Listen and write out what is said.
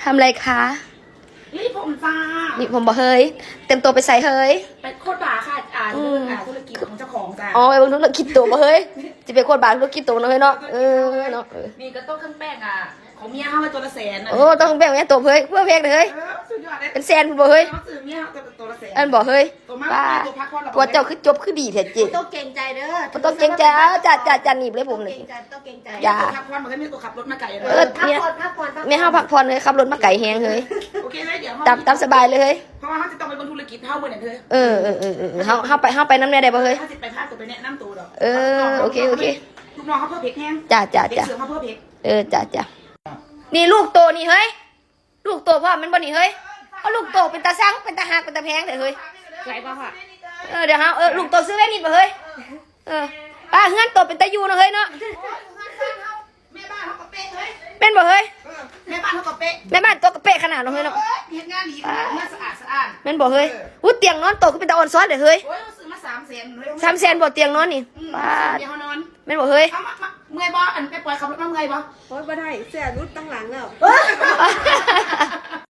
ำอะไรคะนี่ผมจ้านี่ผมบอกเฮ้ยเต็มตัวไปใส่เฮ้ยเป็นโคตรบาค่ะธุรกิจของเจ้าของจ้าอ๋อไปบนธุรกิจตัวบอกเฮ้ยจะเป็นคนบาธุรกิจตัวเนาะเฮ้ยเนาะเนาะนี่ก็ต้มเครื่องแป้งของเมียเขามาตัวละแสนโอ้ต้องแบ่งแม่ตัวเฮ้ยเพื่อเพลงเลยเฮ้ยสุดยอดเลยเป็นแซนบอกเฮ้ยเขาซื้อเมียเขาตัวละแสนอันบอกเฮ้ยตัวมากว่าตัวพักผ่อนตัวเจ้าคือจบคือดีแท้จริงต้องเก่งใจเด้อต้องเก่งใจจัดหนีบเลยผมเลยต้องเก่งใจอย่าตัวพักผ่อนมันก็มีตัวขับรถมาไก่เลยพักผ่อนแม่ห้าพักผ่อนเลยขับรถมาไก่แหงเฮ้ยโอเคเลยเดี๋ยวตามสบายเลยเฮ้ยเพราะว่าเขาจะต้องไปบนธุรกิจเท่าเหมือนเธอเฮาไปน้ำแน่ได้บ่เฮ้ยเขาจะไปพาตัวไปแนะนำตัวดอกโอเคลูกน้องเขาเพิ่มเพกแห้งจ้าเด็กเสือเขาเพิ่มเพกจ้านี่ลูกโตนี่เฮ้ยลูกโตพ่อมันบ่นี่เฮ้ยเอาลูกโตเป็นตาซังเป็นตาหักเป็นตาแพงแต่เฮ้ยไรบ้างค่ะเดี๋ยวลูกโตซื้อแว่นนิดบ่เฮ้ยป้าเฮือนโตเป็นตายูเนาะเฮ้ยเนาะแม่บ้านเขาก็เป๊ะเฮ้ยเป็นบ่เฮ้ยแม่บ้านเขาก็เป๊ะแม่บ้านโตกระเป๊ะขนาดเนาะเฮ้ยเนาะเห็นงานดีมาสะอาดเป็นบ่เฮ้ยอู้เตียงนอนโตก็เป็นตาอ่อนซ้อนเด้อเฮ้ยโอ้ยซื้อมา300,000เลย 300,000บ่เตียงนอนนี่ป้าเดี๋ยวเขานอนเป็นบ่เฮ้ยเอามาเมื่อยบ่อันไปปล่อยขับรถมาเมื่อยบ่โอ๊ยบ่ได้เสียรุดตั้งหลังแล้ว